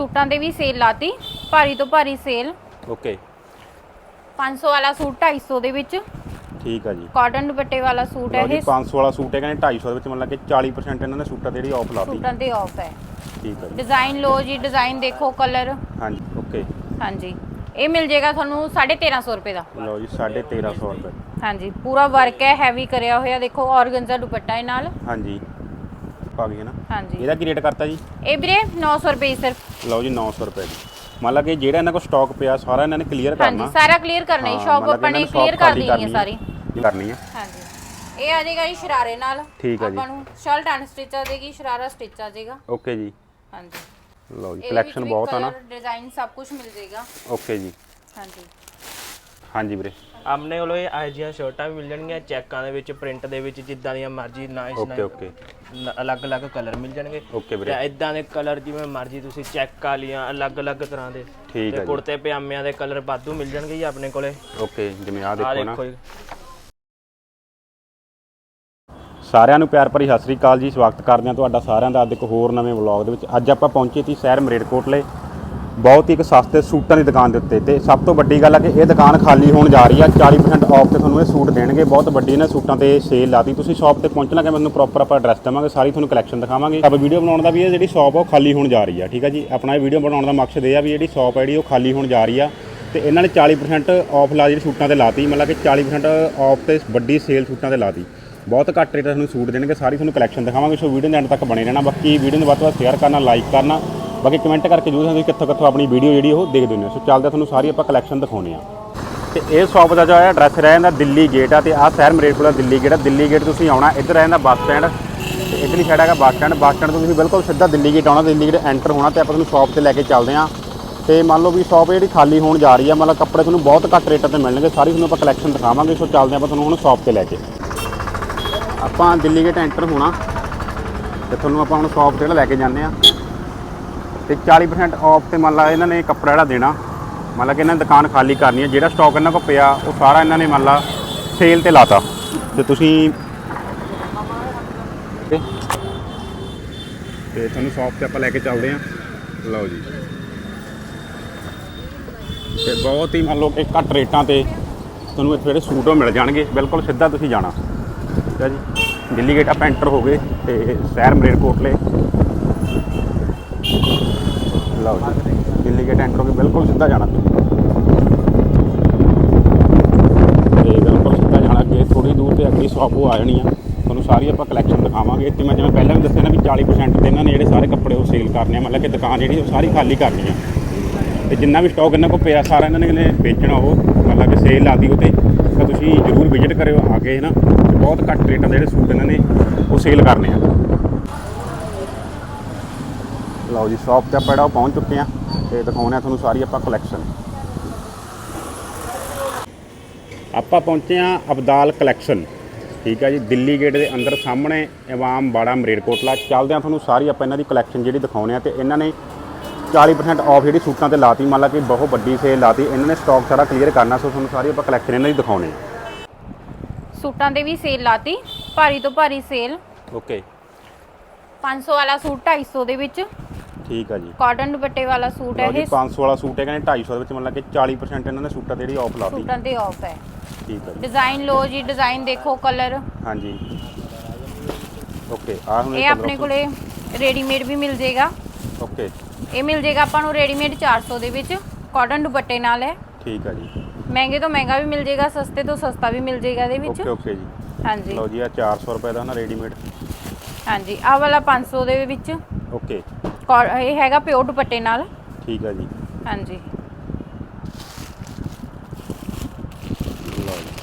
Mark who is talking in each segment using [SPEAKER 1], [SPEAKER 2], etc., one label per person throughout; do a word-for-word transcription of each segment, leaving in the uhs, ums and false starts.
[SPEAKER 1] सूटां दे भी सेल लाती, भारी तो भारी सेल।
[SPEAKER 2] ओके
[SPEAKER 1] पाँच सौ वाला सूट ढाई सौ दे विच।
[SPEAKER 2] ठीक है जी।
[SPEAKER 1] कॉटन दुपट्टे वाला सूट है ये।
[SPEAKER 2] पाँच सौ वाला सूट है कहने ढाई सौ ਦੇ मतलब कि चालीस परसेंट इन्होंने सूटा ਤੇ ਜਿਹੜੀ ਆਫ ਲਾਤੀ।
[SPEAKER 1] सूटां ते ऑफ है।
[SPEAKER 2] ठीक है जी।
[SPEAKER 1] डिजाइन लो जी, डिजाइन देखो, कलर।
[SPEAKER 2] हाँ जी ओके।
[SPEAKER 1] हाँ जी ये मिल जाएगा थानू साढ़े तेरह सौ रुपए का।
[SPEAKER 2] लो जी साढ़े तेरह सौ रुपए।
[SPEAKER 1] हाँ जी पूरा वर्क है, हैवी करया होया, देखो ऑर्गेन्जा दुपट्टा है नाल।
[SPEAKER 2] हाँ जी पा गई है ना।
[SPEAKER 1] हाँ जी
[SPEAKER 2] ਇਹਦਾ ਕੀ ਰੇਟ ਕਰਤਾ ਜੀ?
[SPEAKER 1] ਇਹ ਵੀਰੇ ਨੌ ਸੌ ਰੁਪਏ ਸਿਰਫ।
[SPEAKER 2] ਲਓ ਜੀ ਨੌ ਸੌ ਰੁਪਏ ਦੀ। ਮੰਨ ਲਾ ਕਿ ਜਿਹੜਾ ਇਹਨਾਂ ਕੋਲ ਸਟਾਕ ਪਿਆ ਸਾਰਾ ਇਹਨਾਂ ਨੇ ਕਲੀਅਰ ਕਰਨਾ।
[SPEAKER 1] ਹਾਂਜੀ ਸਾਰਾ ਕਲੀਅਰ ਕਰਨਾ ਹੈ, ਸ਼ਾਪ ਆਪਾਂ ਨੇ ਕਲੀਅਰ ਕਰ ਦੇਣੀ ਹੈ ਸਾਰੀ।
[SPEAKER 2] ਕਰਨੀ ਹੈ।
[SPEAKER 1] ਹਾਂਜੀ ਇਹ ਆ ਜਾਏਗਾ ਜੀ ਸ਼ਰਾਰੇ ਨਾਲ।
[SPEAKER 2] ਠੀਕ ਹੈ ਜੀ।
[SPEAKER 1] ਆਪਾਂ ਨੂੰ ਸ਼ਰਟ ਅਨਸਟਿਚ ਆ ਜਾਏਗੀ, ਸ਼ਰਾਰਾ ਸਟਿਚ ਆ ਜਾਏਗਾ।
[SPEAKER 2] ਓਕੇ ਜੀ।
[SPEAKER 1] ਹਾਂਜੀ
[SPEAKER 2] ਲਓ ਜੀ ਕਲੈਕਸ਼ਨ ਬਹੁਤ ਆ ਨਾ।
[SPEAKER 1] डिजाइन सब कुछ मिल जाएगा।
[SPEAKER 2] ਓਕੇ ਜੀ।
[SPEAKER 1] ਹਾਂਜੀ
[SPEAKER 2] ਹਾਂਜੀ ਵੀਰੇ
[SPEAKER 3] ਆਪਣੇ ਕੋਲ ਇਹ ਇਹੋ ਜਿਹੀਆਂ ਸ਼ਰਟਾਂ ਵੀ ਮਿਲ ਜਾਣਗੀਆਂ ਚੈੱਕਾਂ ਦੇ ਵਿੱਚ, ਪ੍ਰਿੰਟ ਦੇ ਵਿੱਚ, ਜਿੱਦਾਂ ਦੀਆਂ ਮਰਜ਼ੀ ਨਾਈਸ
[SPEAKER 2] ਓਕੇ ਓਕੇ
[SPEAKER 3] ਅਲੱਗ-ਅਲੱਗ ਕਲਰ ਮਿਲ ਜਾਣਗੇ।
[SPEAKER 2] ਓਕੇ ਵੀਰੇ
[SPEAKER 3] ਤੇ ਇਦਾਂ ਦੇ ਕਲਰ ਜਿਵੇਂ ਮਰਜ਼ੀ ਤੁਸੀਂ ਚੈੱਕ ਵਾਲੀਆਂ ਅਲੱਗ-ਅਲੱਗ ਤਰ੍ਹਾਂ ਦੇ
[SPEAKER 2] ਠੀਕ ਹੈ ਜੀ।
[SPEAKER 3] ਕੁੜਤੇ ਪਜਾਮਿਆਂ ਦੇ ਕਲਰ ਵਾਧੂ ਮਿਲ ਜਾਣਗੇ ਜੀ ਆਪਣੇ ਕੋਲੇ।
[SPEAKER 2] ਓਕੇ ਜਿਵੇਂ ਆ
[SPEAKER 3] ਆਹ
[SPEAKER 2] ਦੇਖੋ ਨਾ।
[SPEAKER 3] ਦੇਖੋ ਜੀ
[SPEAKER 2] ਸਾਰਿਆਂ ਨੂੰ ਪਿਆਰ ਭਰੀ ਸਤਿ ਸ੍ਰੀ ਅਕਾਲ ਜੀ। ਸਵਾਗਤ ਕਰਦੇ ਹਾਂ ਤੁਹਾਡਾ ਸਾਰਿਆਂ ਦਾ ਅੱਜ ਇੱਕ ਹੋਰ ਨਵੇਂ ਵਲੌਗ ਦੇ ਵਿੱਚ। ਅੱਜ ਆਪਾਂ ਪਹੁੰਚੇ ਸੀ ਸ਼ਹਿਰ ਮਰੇਟਕੋਟਲੇ, ਬਹੁਤ ਹੀ ਇੱਕ ਸਸਤੇ ਸੂਟਾਂ ਦੀ ਦੁਕਾਨ ਦੇ ਉੱਤੇ। ਤੇ ਸਭ ਤੋਂ ਵੱਡੀ ਗੱਲ ਹੈ ਕਿ ਇਹ ਦੁਕਾਨ ਖਾਲੀ ਹੋਣ ਜਾ ਰਹੀ ਆ। ਚਾਲੀ ਪਰਸੈਂਟ ਆਫ ਤੇ ਤੁਹਾਨੂੰ ਇਹ ਸੂਟ ਦੇਣਗੇ। ਬਹੁਤ ਵੱਡੀ ਇਹਨਾਂ ਸੂਟਾਂ ਤੇ ਸੇਲ ਲਾਤੀ। ਤੁਸੀਂ ਸ਼ਾਪ ਤੇ ਪਹੁੰਚਣਾ ਕਿ ਮੈਨੂੰ ਪ੍ਰੋਪਰ ਆਪਾਂ ਐਡਰੈਸ ਦੇਵਾਂਗੇ, ਸਾਰੀ ਤੁਹਾਨੂੰ ਕਲੈਕਸ਼ਨ ਦਿਖਾਵਾਂਗੇ। ਆਪਾਂ ਵੀਡੀਓ ਬਣਾਉਣ ਦਾ ਵੀ ਇਹ ਜਿਹੜੀ ਸ਼ਾਪ ਆ ਉਹ ਖਾਲੀ ਹੋਣ ਜਾ ਰਹੀ ਆ। ਠੀਕ ਹੈ ਜੀ। ਆਪਣਾ ਇਹ ਵੀਡੀਓ ਬਣਾਉਣ ਦਾ ਮਕਸਦ ਇਹ ਆ ਵੀ ਜਿਹੜੀ ਸ਼ਾਪ ਹੈ ਜਿਹੜੀ ਉਹ ਖਾਲੀ ਹੋਣ ਜਾ ਰਹੀ ਆ ਤੇ ਇਹਨਾਂ ਨੇ ਚਾਲੀ ਪਰਸੈਂਟ ਆਫ ਲਾ ਜਿਹੜੀ ਸੂਟਾਂ ਤੇ ਲਾਤੀ, ਮਤਲਬ ਕਿ ਚਾਲੀ ਪਰਸੈਂਟ ਆਫ ਤੇ ਵੱਡੀ ਸੇਲ ਸੂਟਾਂ ਤੇ ਲਾਤੀ। ਬਹੁਤ ਘੱਟ ਰੇਟ ਤੁਹਾਨੂੰ ਸੂਟ ਦੇਣਗੇ, ਸਾਰੀ ਤੁਹਾਨੂੰ ਕਲੈਕਸ਼ਨ ਦਿਖਾਵਾਂਗੇ। ਸੋ ਵੀਡੀਓ ਦੇ ਐਂਡ ਤੱਕ ਬਣੇ ਰਹਿਣਾ। ਬਾਕੀ ਵੀਡੀਓ ਨੂੰ ਵੱਧ ਤੋਂ ਵੱਧ ਸ਼ੇਅਰ ਕਰਨਾ, ਲਾਈਕ ਕਰਨਾ, ਬਾਕੀ ਕਮੈਂਟ ਕਰਕੇ ਜ਼ਰੂਰ ਦੱਸੋ ਕਿੱਥੋਂ ਕਿੱਥੋਂ ਆਪਣੀ ਵੀਡੀਓ ਜਿਹੜੀ ਉਹ ਦੇਖਦੇ ਹੁੰਦੇ ਹੋ। ਸੋ ਚੱਲਦੇ ਤੁਹਾਨੂੰ ਸਾਰੀ ਆਪਾਂ ਕਲੈਕਸ਼ਨ ਦਿਖਾਉਂਦੇ ਆ। ਤੇ ਇਹ ਸ਼ਾਪ ਦਾ ਜੋ ਹੈ ਐਡਰੈਸ ਰਹਿ ਜਾਂਦਾ ਦਿੱਲੀ ਗੇਟ ਆ ਤੇ ਆਹ ਸ਼ਹਿਰ ਮਰੇਟਕੋਟਲਾ ਦਿੱਲੀ ਗੇਟ ਆ। ਦਿੱਲੀ ਗੇਟ ਤੁਸੀਂ ਆਉਣਾ, ਇੱਧਰ ਰਹਿ ਜਾਂਦਾ ਬੱਸ ਸਟੈਂਡ ਤੇ ਇੱਧਰਲੀ ਸਾਈਡ ਹੈਗਾ ਬੱਸ ਸਟੈਂਡ। ਬੱਸ ਸਟੈਂਡ ਤੋਂ ਤੁਸੀਂ ਬਿਲਕੁਲ ਸਿੱਧਾ ਦਿੱਲੀ ਗੇਟ ਆਉਣਾ, ਦਿੱਲੀ ਗੇਟ ਐਂਟਰ ਹੋਣਾ ਤੇ ਆਪਾਂ ਤੁਹਾਨੂੰ ਸ਼ਾਪ ਤੇ ਲੈ ਕੇ ਚੱਲਦੇ ਹਾਂ। ਤੇ ਮੰਨ ਲਓ ਵੀ ਸ਼ਾਪ ਜਿਹੜੀ ਖਾਲੀ ਹੋਣ ਜਾ ਰਹੀ ਆ, ਮਤਲਬ ਕੱਪੜੇ ਤੁਹਾਨੂੰ ਬਹੁਤ ਘੱਟ ਰੇਟਾਂ ਤੇ ਮਿਲਣਗੇ, ਸਾਰੀ ਤੁਹਾਨੂੰ ਆਪਾਂ ਕਲੈਕਸ਼ਨ ਦਿਖਾਵਾਂਗੇ। ਸੋ ਚੱਲਦੇ ਆਪਾਂ ਤੁਹਾਨੂੰ ਹੁਣ ਸ਼ਾਪ ਤੇ ਲੈ ਕੇ। ਆਪਾਂ ਦਿੱਲੀ ਗੇਟ ਐਂਟਰ ਹੋਣਾ ਤੇ ਤੁਹਾਨੂੰ ਆਪਾਂ ਹੁਣ ਸ਼ਾਪ ਤੇ ਲੈ ਕੇ ਜਾਂਦੇ ਆ। ਤੇ ਚਾਲੀ ਪਰਸੈਂਟ ਆਫ ਤੇ ਮੰਨ ਲਾ ਇਹਨਾਂ ਨੇ ਕੱਪੜਾ ਜਿਹੜਾ ਦੇਣਾ, ਮਤਲਬ ਕਿ ਇਹਨਾਂ ਨੇ ਦੁਕਾਨ ਖਾਲੀ ਕਰਨੀ ਹੈ। ਜਿਹੜਾ ਸਟਾਕ ਇਹਨਾਂ ਕੋਲ ਪਿਆ ਉਹ ਸਾਰਾ ਇਹਨਾਂ ਨੇ ਮੰਨ ਲਾ ਸੇਲ ਤੇ ਲਾਤਾ। ਤੇ ਤੁਸੀਂ ਤੇ ਤੁਹਾਨੂੰ ਸ਼ਾਪ ਤੇ ਆਪਾਂ ਲੈ ਕੇ ਚੱਲਦੇ ਹਾਂ। ਲਓ ਜੀ ਤੇ ਬਹੁਤ ਹੀ ਮੰਨ ਲਓ ਕਿ ਘੱਟ ਰੇਟਾਂ ਤੇ ਤੁਹਾਨੂੰ ਇੱਥੇ ਜਿਹੜੇ ਸੂਟ ਉਹ ਮਿਲ ਜਾਣਗੇ। ਬਿਲਕੁਲ ਸਿੱਧਾ ਤੁਸੀਂ ਜਾਣਾ। ਠੀਕ ਹੈ ਜੀ। ਦਿੱਲੀ ਗੇਟ ਆਪਾਂ ਐਂਟਰ ਹੋ ਗਏ ਤੇ ਸ਼ਹਿਰ ਮਰੇਟਕੋਟਲੇ। ਲਓ ਜੀ ਦਿੱਲੀ ਗੇਟ ਐਂਟਰ ਹੋ ਕੇ ਬਿਲਕੁਲ ਸਿੱਧਾ ਜਾਣਾ ਤੇ ਬਿਲਕੁਲ ਸਿੱਧਾ ਜਾਣਾ। ਅੱਗੇ ਥੋੜੀ ਦੂਰ ਤੇ ਅੱਗੇ ਸ਼ਾਪ ਉਹ ਆ ਜਾਣੀ ਆ। ਤੁਹਾਨੂੰ ਸਾਰੀ ਆਪਾਂ ਕਲੈਕਸ਼ਨ ਦਿਖਾਵਾਂਗੇ। ਤੇ ਮੈਂ ਜਿਵੇਂ ਪਹਿਲਾਂ ਵੀ ਦੱਸਿਆ ਨਾ ਵੀ ਚਾਲੀ ਪਰਸੈਂਟ ਤੇ ਇਹਨਾਂ ਨੇ ਜਿਹੜੇ ਸਾਰੇ ਕੱਪੜੇ ਉਹ ਸੇਲ ਕਰਨੇ ਆ, ਮਤਲਬ ਕਿ ਦੁਕਾਨ ਜਿਹੜੀ ਉਹ ਸਾਰੀ ਖਾਲੀ ਕਰਨੀ ਆ। ਤੇ ਜਿੰਨਾ ਵੀ ਸਟਾਕ ਇਹਨਾਂ ਕੋਲ ਪਿਆ ਸਾਰਾ ਇਹਨਾਂ ਨੇ ਵੇਚਣਾ, ਉਹ ਮਤਲਬ ਕਿ ਸੇਲ ਲਾਤੀ ਉਹ 'ਤੇ। ਤਾਂ ਤੁਸੀਂ ਜ਼ਰੂਰ ਵਿਜ਼ਿਟ ਕਰਿਓ ਆ ਕੇ ਨਾ। ਤੇ ਬਹੁਤ ਘੱਟ ਰੇਟਾਂ ਦੇ ਜਿਹੜੇ ਸੂਟ ਇਹਨਾਂ ਨੇ ਉਹ ਸੇਲ ਕਰਨੇ ਆ। ਲਓ ਜੀ ਸ਼ਾਪ ਤੇ ਆਪਾਂ ਜਿਹੜਾ ਉਹ ਪਹੁੰਚ ਚੁੱਕੇ ਆ ਤੇ ਦਿਖਾਉਂਦੇ ਆ ਤੁਹਾਨੂੰ ਸਾਰੀ ਆਪਾਂ ਕਲੈਕਸ਼ਨ। ਆਪਾਂ ਪਹੁੰਚੇ ਆ ਅਬਦਾਲ ਕਲੈਕਸ਼ਨ। ਠੀਕ ਹੈ ਜੀ। ਦਿੱਲੀ ਗੇਟ ਦੇ ਅੰਦਰ ਸਾਹਮਣੇ ਇਮਾਮ ਬਾੜਾ ਮਰੇਟਕੋਟਲਾ। ਚੱਲਦੇ ਆ ਤੁਹਾਨੂੰ ਸਾਰੀ ਆਪਾਂ ਇਹਨਾਂ ਦੀ ਕਲੈਕਸ਼ਨ ਜਿਹੜੀ ਦਿਖਾਉਂਦੇ ਆ। ਤੇ ਇਹਨਾਂ ਨੇ ਚਾਲੀ ਪਰਸੈਂਟ ਆਫ ਜਿਹੜੀ ਸੂਟਾਂ ਤੇ ਲਾਤੀ, ਮੰਨ ਲਾ ਕਿ ਬਹੁਤ ਵੱਡੀ ਸੇਲ ਲਾਤੀ। ਇਹਨਾਂ ਨੇ ਸਟਾਕ ਸਾਰਾ ਕਲੀਅਰ ਕਰਨਾ। ਸੋ ਤੁਹਾਨੂੰ ਸਾਰੀ ਆਪਾਂ ਕਲੈਕਸ਼ਨ ਇਹਨਾਂ ਦੀ ਦਿਖਾਉਂਦੇ ਆ।
[SPEAKER 1] ਸੂਟਾਂ ਦੇ ਵੀ ਸੇਲ ਲਾਤੀ, ਭਾਰੀ ਤੋਂ ਭਾਰੀ ਸੇਲ।
[SPEAKER 2] ਓਕੇ
[SPEAKER 1] पाँच सौ वाला सूट ढाई सौ ਦੇ ਵਿੱਚ।
[SPEAKER 2] ਠੀਕ ਆ ਜੀ।
[SPEAKER 1] ਕਾਟਨ ਦੁਪੱਟੇ ਵਾਲਾ ਸੂਟ ਹੈ ਇਹ।
[SPEAKER 2] ਪੰਜ ਸੌ ਵਾਲਾ ਸੂਟ ਹੈ ਕਹਿੰਦੇ ਢਾਈ ਸੌ ਦੇ ਵਿੱਚ, ਮਤਲਬ ਕਿ ਚਾਲੀ ਪਰਸੈਂਟ ਇਹਨਾਂ ਨੇ ਸੂਟਾਂ ਤੇ ਜਿਹੜੀ ਆਫ ਲਾਤੀ।
[SPEAKER 1] ਸੂਟਾਂ ਤੇ ਆਫ ਹੈ।
[SPEAKER 2] ਠੀਕ ਹੈ ਜੀ।
[SPEAKER 1] डिजाइन लो जी, डिजाइन देखो, कलर।
[SPEAKER 2] हाँ जी ओके आ हुन
[SPEAKER 1] ये अपने कोले रेडीमेड भी मिल जाएगा।
[SPEAKER 2] ओके
[SPEAKER 1] ये मिल जाएगा ਆਪਾਂ ਨੂੰ रेडीमेड चार सौ ਦੇ ਵਿੱਚ, ਕਾਟਨ ਦੁਪੱਟੇ ਨਾਲ ਹੈ।
[SPEAKER 2] ठीक है जी।
[SPEAKER 1] ਮਹਿੰਗੇ ਤੋਂ ਮਹਿੰਗਾ ਵੀ ਮਿਲ ਜਾਏਗਾ, ਸਸਤੇ ਤੋਂ ਸਸਤਾ ਵੀ ਮਿਲ ਜਾਏਗਾ ਇਹਦੇ ਵਿੱਚ।
[SPEAKER 2] ओके ओके जी।
[SPEAKER 1] ਹਾਂਜੀ
[SPEAKER 2] ਲਓ ਜੀ ਆ ਚਾਰ ਸੌ ਰੁਪਏ ਦਾ ਨਾ ਰੈਡੀਮੇਡ।
[SPEAKER 1] ਹਾਂਜੀ ਆਹ ਵਾਲਾ ਪੰਜ ਸੌ ਦੇ ਵਿੱਚ।
[SPEAKER 2] ओके
[SPEAKER 1] ਇਹ ਹੈਗਾ ਪਿਓਰ ਦੁਪੱਟੇ ਨਾਲ।
[SPEAKER 2] ठीक है जी।
[SPEAKER 1] ਹਾਂਜੀ
[SPEAKER 2] ਲਓ ਜੀ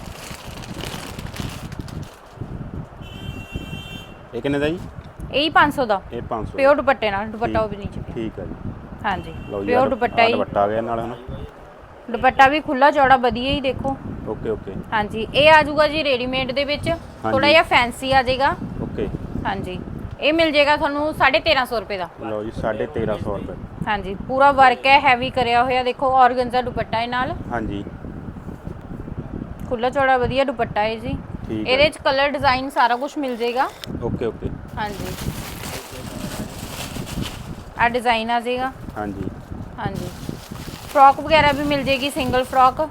[SPEAKER 2] ਇਹ ਕਿੰਨੇ ਦਾ ਜੀ?
[SPEAKER 1] ਇਹ ਹੀ ਪੰਜ ਸੌ ਦਾ।
[SPEAKER 2] ਇਹ ਪੰਜ ਸੌ
[SPEAKER 1] ਪਿਓਰ ਦੁਪੱਟੇ ਨਾਲ, ਦੁਪੱਟਾ ਉਹ ਵੀ ਨੀਚੇ ਪਿਆ।
[SPEAKER 2] ਠੀਕ ਹੈ ਜੀ।
[SPEAKER 1] ਹਾਂਜੀ
[SPEAKER 2] ਲਓ ਜੀ
[SPEAKER 1] ਪਿਓਰ ਦੁਪੱਟਾ ਹੀ।
[SPEAKER 2] ਦੁਪੱਟਾ ਆ ਗਿਆ ਨਾਲ ਹਨਾ।
[SPEAKER 1] ਦੁਪੱਟਾ ਵੀ ਖੁੱਲਾ ਚੌੜਾ ਵਧੀਆ ਹੀ ਦੇਖੋ।
[SPEAKER 2] ਓਕੇ ਓਕੇ
[SPEAKER 1] ਹਾਂਜੀ ਇਹ ਆ ਜਾਊਗਾ ਜੀ ਰੈਡੀਮੇਡ ਦੇ ਵਿੱਚ, ਥੋੜਾ ਜਿਹਾ ਫੈਂਸੀ ਆ ਜਾਏਗਾ।
[SPEAKER 2] ਓਕੇ
[SPEAKER 1] ਹਾਂਜੀ ਇਹ ਮਿਲ ਜਾਏਗਾ ਤੁਹਾਨੂੰ ਸਾਢੇ ਤੇਰਾਂ ਸੌ ਰੁਪਏ ਦਾ।
[SPEAKER 2] ਲਓ ਜੀ ਸਾਢੇ ਤੇਰਾਂ ਸੌ ਰੁਪਏ।
[SPEAKER 1] ਹਾਂਜੀ ਪੂਰਾ ਵਰਕ ਹੈ, ਹੈਵੀ ਕਰਿਆ ਹੋਇਆ, ਦੇਖੋ ਔਰਗਨਜ਼ਾ ਦੁਪੱਟਾ ਹੈ ਨਾਲ।
[SPEAKER 2] ਹਾਂਜੀ
[SPEAKER 1] ਖੁੱਲਾ ਚੌੜਾ ਵਧੀਆ ਦੁਪੱਟਾ ਹੈ ਜੀ।
[SPEAKER 2] ਠੀਕ ਹੈ।
[SPEAKER 1] ਇਹਦੇ ਵਿੱਚ ਕਲਰ ਡਿਜ਼ਾਈਨ ਸਾਰਾ ਕੁਝ ਮਿਲ ਜਾਏਗਾ।
[SPEAKER 2] ਓਕੇ ਓਕੇ
[SPEAKER 1] ਹਾਂਜੀ ਆ ਡਿਜ਼ਾਈਨ ਆ ਜਾਏਗਾ।
[SPEAKER 2] ਹਾਂਜੀ
[SPEAKER 1] ਹਾਂਜੀ ਫਰੋਕ ਵਗੈਰਾ ਵੀ ਮਿਲ ਜੇਗੀ, ਸਿੰਗਲ ਫਰੋਕ।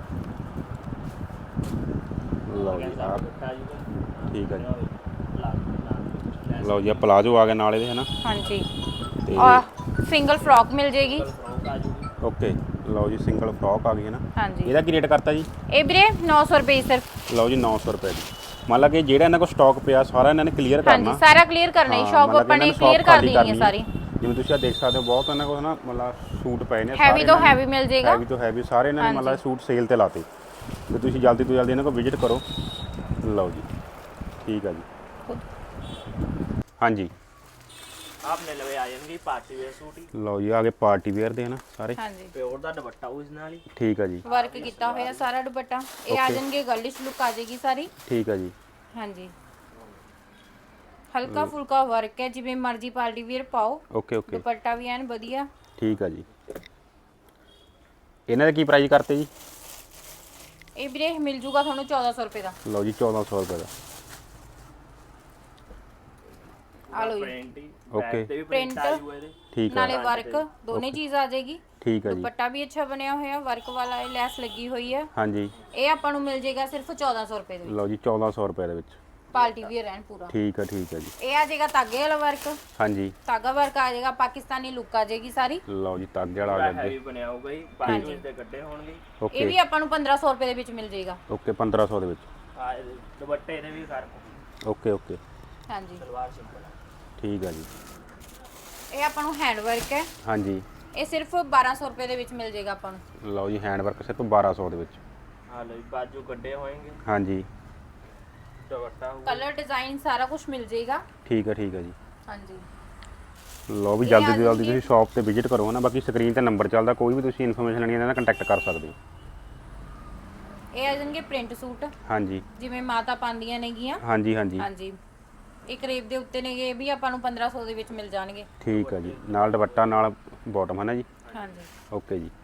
[SPEAKER 2] ਲਓ ਜੀ ਆਹ
[SPEAKER 3] ਦੁਪੱਟਾ ਜੀ
[SPEAKER 2] ਠੀਕ ਹੈ ਜੀ।
[SPEAKER 3] ਪਲਾਜ਼ੋ ਦੇ ਨਾਲ
[SPEAKER 2] ਲਓ ਜੀ ਆਹ ਪਲਾਜ਼ੋ ਆ ਗਿਆ ਨਾਲ ਇਹਦੇ ਹਨਾ।
[SPEAKER 1] ਹਾਂਜੀ
[SPEAKER 2] ਤੇ
[SPEAKER 1] ਆ ਸਿੰਗਲ ਫਰੋਕ ਮਿਲ ਜੇਗੀ।
[SPEAKER 3] ਫਰੋਕ ਆ ਜੂਗੀ।
[SPEAKER 2] ਓਕੇ ਲਓ ਜੀ ਸਿੰਗਲ ਫਰੋਕ ਆ ਗਈ ਹੈ ਨਾ।
[SPEAKER 1] ਹਾਂਜੀ
[SPEAKER 2] ਇਹਦਾ ਕੀ ਰੇਟ ਕਰਤਾ ਜੀ?
[SPEAKER 1] ਇਹ ਵੀਰੇ ਨੌ ਸੌ ਰੁਪਏ ਸਿਰਫ।
[SPEAKER 2] ਲਓ ਜੀ ਨੌ ਸੌ ਰੁਪਏ ਦੀ। ਮੰਨ ਲਾ ਕਿ ਜਿਹੜਾ ਇਹਨਾਂ ਕੋਲ ਸਟਾਕ ਪਿਆ ਸਾਰਾ ਇਹਨਾਂ ਨੇ ਕਲੀਅਰ ਕਰਨਾ।
[SPEAKER 1] ਹਾਂਜੀ ਸਾਰਾ ਕਲੀਅਰ ਕਰਨਾ ਹੀ,
[SPEAKER 2] ਹਾਂ,
[SPEAKER 1] ਸ਼ਾਪ
[SPEAKER 2] ਮਤਲਬ
[SPEAKER 1] ਆਪਾਂ
[SPEAKER 2] ਇਹਨਾਂ
[SPEAKER 1] ਨੇ
[SPEAKER 2] shop
[SPEAKER 1] ਕਲੀਅਰ ਕਰ
[SPEAKER 2] ਖਾਲੀ
[SPEAKER 1] ਦੇਣੀ ਹੈ
[SPEAKER 2] ਕਰਨੀ
[SPEAKER 1] ਸਾਰੀ।
[SPEAKER 2] ਜਿਵੇਂ ਤੁਸੀਂ ਆ ਦੇਖ ਸਕਦੇ ਹੋ ਬਹੁਤ ਇਹਨਾਂ ਕੋਲ ਨਾ ਮਤਲਬ ਸੂਟ ਪਏ ਨੇ
[SPEAKER 1] ਹੈਵੀ ਤੋਂ ਹੈਵੀ ਮਿਲ ਜੇਗਾ।
[SPEAKER 2] ਹੈਵੀ ਤੋਂ ਹੈਵੀ ਸਾਰੇ ਇਹਨਾਂ ਨੇ ਮਤਲਬ ਸੂਟ ਸੇਲ ਤੇ ਲਾਤੇ ਤੇ ਤੁਸੀਂ ਜਲਦੀ ਤੋਂ ਜਲਦੀ ਇਹਨਾਂ ਕੋਲ ਵਿਜ਼ਿਟ ਕਰੋ। ਲਓ ਜੀ ਠੀਕ ਆ ਜੀ। ਹਾਂਜੀ
[SPEAKER 3] ਆਪਣੇ ਲਵੇ ਆ ਜਾਣਗੇ ਪਾਰਟੀ ਵੇਅਰ ਸੂਟ ਹੀ।
[SPEAKER 2] ਲਓ ਜੀ ਆ ਗਏ ਪਾਰਟੀ ਵੇਅਰ ਦੇ ਹਨਾ ਸਾਰੇ।
[SPEAKER 1] ਹਾਂਜੀ
[SPEAKER 3] ਪਿਓਰ ਦਾ ਦੁਪੱਟਾ ਉਸ ਨਾਲ ਹੀ।
[SPEAKER 2] ਠੀਕ ਆ ਜੀ
[SPEAKER 1] ਵਰਕ ਕੀਤਾ ਹੋਇਆ ਸਾਰਾ ਦੁਪੱਟਾ। ਇਹ ਆ ਜਾਣਗੇ ਗਰਲਿਸ਼ ਲੁੱਕ ਆ ਜਾਏਗੀ ਸਾਰੀ।
[SPEAKER 2] ਠੀਕ ਆ ਜੀ।
[SPEAKER 1] ਹਾਂਜੀ ਹਲਕਾ ਫੁਲਕਾ ਵਰਕ ਹੈ, ਜਿਵੇਂ ਮਰਜ਼ੀ ਪਾਰਟੀ ਵੇਅਰ ਪਾਓ।
[SPEAKER 2] ਓਕੇ ਓਕੇ
[SPEAKER 1] ਦੁਪੱਟਾ ਵੀ ਐਨ ਵਧੀਆ।
[SPEAKER 2] ਠੀਕ ਆ ਜੀ। ਇਹਨਾਂ ਦਾ ਕੀ ਪ੍ਰਾਈਸ ਕਰਤੇ ਜੀ?
[SPEAKER 1] ਇਹ ਵੀਰੇ ਮਿਲ ਜੂਗਾ ਤੁਹਾਨੂੰ ਚੌਦਾਂ ਸੌ ਰੁਪਏ ਦਾ।
[SPEAKER 2] ਲਓ ਜੀ ਚੌਦਾਂ ਸੌ ਰੁਪਏ ਦਾ।
[SPEAKER 1] ਆ ਲਓ ਜੀ
[SPEAKER 3] ਪ੍ਰਿੰਟ ਹੀ
[SPEAKER 2] ਓਕੇ
[SPEAKER 3] ਬੈਕ ਤੇ ਵੀ ਪ੍ਰਿੰਟ
[SPEAKER 1] Print
[SPEAKER 3] ਆ ਜੂਗਾ ਇਹਦੇ।
[SPEAKER 2] ਠੀਕ ਆ
[SPEAKER 1] ਨਾਲੇ ਵਰਕ ਦੋਨੇ ਚੀਜ਼ ਆ ਜਾਏਗੀ।
[SPEAKER 2] ਠੀਕ ਆ ਜੀ।
[SPEAKER 1] ਦੁਪੱਟਾ ਵੀ ਅੱਛਾ ਬਣਿਆ ਹੋਇਆ, ਵਰਕ ਵਾਲਾ ਇਹ ਲੈਸ ਲੱਗੀ ਹੋਈ ਹੈ।
[SPEAKER 2] ਹਾਂਜੀ
[SPEAKER 1] ਇਹ ਆਪਾਂ ਨੂੰ ਮਿਲ ਜਾਏਗਾ ਸਿਰਫ ਚੌਦਾਂ ਸੌ ਰੁਪਏ ਦੇ ਵਿੱਚ।
[SPEAKER 2] ਲਓ ਜੀ ਚੌਦਾਂ ਸੌ ਰੁਪਏ ਦੇ ਵਿੱਚ
[SPEAKER 1] ਪਾਰਟੀ ਵੀਅਰ ਐਨ ਪੂਰਾ।
[SPEAKER 2] ਠੀਕ ਆ ਠੀਕ ਆ ਜੀ।
[SPEAKER 1] ਇਹ ਆ ਜਾਏਗਾ ਤਾਗੇ ਵਾਲਾ ਵਰਕ।
[SPEAKER 2] ਹਾਂਜੀ
[SPEAKER 1] ਤਾਗਾ ਵਰਕ ਆ ਜਾਏਗਾ, ਪਾਕਿਸਤਾਨੀ ਲੁੱਕ ਆ ਜਾਏਗੀ ਸਾਰੀ।
[SPEAKER 2] ਲਓ ਜੀ ਤਾਗੇ ਵਾਲਾ ਆ ਗਿਆ
[SPEAKER 3] ਹੈਵੀ
[SPEAKER 2] ਅੱਗੇ।
[SPEAKER 3] ਬਣਿਆ ਹੋਊਗਾ ਜੀ, ਪਾਰਟੀ ਵੇਅਰ ਦੇ ਕੱਢੇ ਹੋਣਗੇ।
[SPEAKER 1] ਇਹ
[SPEAKER 2] ਓਕੇ
[SPEAKER 1] ਵੀ ਆਪਾਂ ਨੂੰ ਪੰਦਰਾਂ ਸੌ ਰੁਪਏ ਦੇ ਵਿੱਚ ਮਿਲ ਜਾਏਗਾ।
[SPEAKER 2] ਓਕੇ ਪੰਦਰਾਂ ਸੌ ਦੇ ਵਿੱਚ।
[SPEAKER 3] ਆ ਇਹਦੇ ਦੁਪੱਟੇ ਇਹਦੇ ਵੀ ਫਰਕ।
[SPEAKER 2] ਓਕੇ ਓਕੇ
[SPEAKER 1] ਹਾਂਜੀ
[SPEAKER 3] ਸਲਵਾਰ ਸਿੰਪਲ ਆ।
[SPEAKER 2] ਠੀਕ ਆ ਜੀ।
[SPEAKER 1] ਇਹ ਆਪਾਂ ਨੂੰ ਹੈਂਡ ਵਰਕ ਹੈ।
[SPEAKER 2] ਹਾਂਜੀ
[SPEAKER 1] ਇਹ ਸਿਰਫ ਬਾਰਾਂ ਸੌ ਰੁਪਏ ਦੇ ਵਿੱਚ ਮਿਲ ਜਾਏਗਾ ਆਪਾਂ ਨੂੰ।
[SPEAKER 2] ਲਓ ਜੀ ਹੈਂਡ ਵਰਕ ਸਿਰਫ ਬਾਰਾਂ ਸੌ ਦੇ ਵਿੱਚ।
[SPEAKER 3] ਆ ਲਓ ਜੀ ਬਾਜੂ ਕੱਢੇ ਹੋਣਗੇ।
[SPEAKER 2] ਹਾਂਜੀ
[SPEAKER 3] ਦੁਪੱਟਾ ਹੋਊਗਾ।
[SPEAKER 1] ਕਲਰ ਡਿਜ਼ਾਈਨ ਸਾਰਾ ਕੁਝ ਮਿਲ ਜਾਏਗਾ।
[SPEAKER 2] ਠੀਕ ਆ ਠੀਕ ਆ ਜੀ।
[SPEAKER 1] ਹਾਂਜੀ
[SPEAKER 2] ਲਓ ਵੀ
[SPEAKER 1] ਇਹ
[SPEAKER 2] ਜਲਦੀ
[SPEAKER 1] ਆ
[SPEAKER 2] ਤੋਂ ਜਲਦੀ
[SPEAKER 1] ਜਾਣਗੇ।
[SPEAKER 2] ਤੁਸੀਂ ਸ਼ਾਪ ਤੇ ਵਿਜ਼ਿਟ ਕਰੋ ਨਾ। ਬਾਕੀ ਸਕਰੀਨ ਤੇ ਨੰਬਰ ਚੱਲਦਾ, ਕੋਈ ਵੀ ਤੁਸੀਂ ਇਨਫੋਰਮੇਸ਼ਨ ਲੈਣੀ ਹੈ ਇਹਨਾਂ ਨਾਲ ਕੰਟੈਕਟ ਕਰ ਸਕਦੇ ਹੋ।
[SPEAKER 1] ਇਹ ਆ ਜਾਣਗੇ ਪ੍ਰਿੰਟ ਸੂਟ,
[SPEAKER 2] ਹਾਂਜੀ
[SPEAKER 1] ਜਿਵੇਂ ਮਾਤਾ ਪਾਉਂਦੀਆਂ ਨੇਗੀਆਂ।
[SPEAKER 2] ਹਾਂਜੀ ਹਾਂਜੀ
[SPEAKER 1] ਹਾਂਜੀ ਇਹ ਕਰੇਪ ਦੇ ਉੱਤੇ ਨੇਗੇ, ਇਹ ਵੀ ਆਪਾਂ ਨੂੰ ਪੰਦਰਾਂ ਸੌ ਦੇ ਵਿੱਚ ਮਿਲ ਜਾਣਗੇ।
[SPEAKER 2] ਠੀਕ ਆ ਜੀ। ਨਾਲ ਦੁਪੱਟਾ ਨਾਲ ਬਾਟਮ ਹੈ ਨਾ ਜੀ।
[SPEAKER 1] ਹਾਂਜੀ
[SPEAKER 2] ਓਕੇ ਜੀ।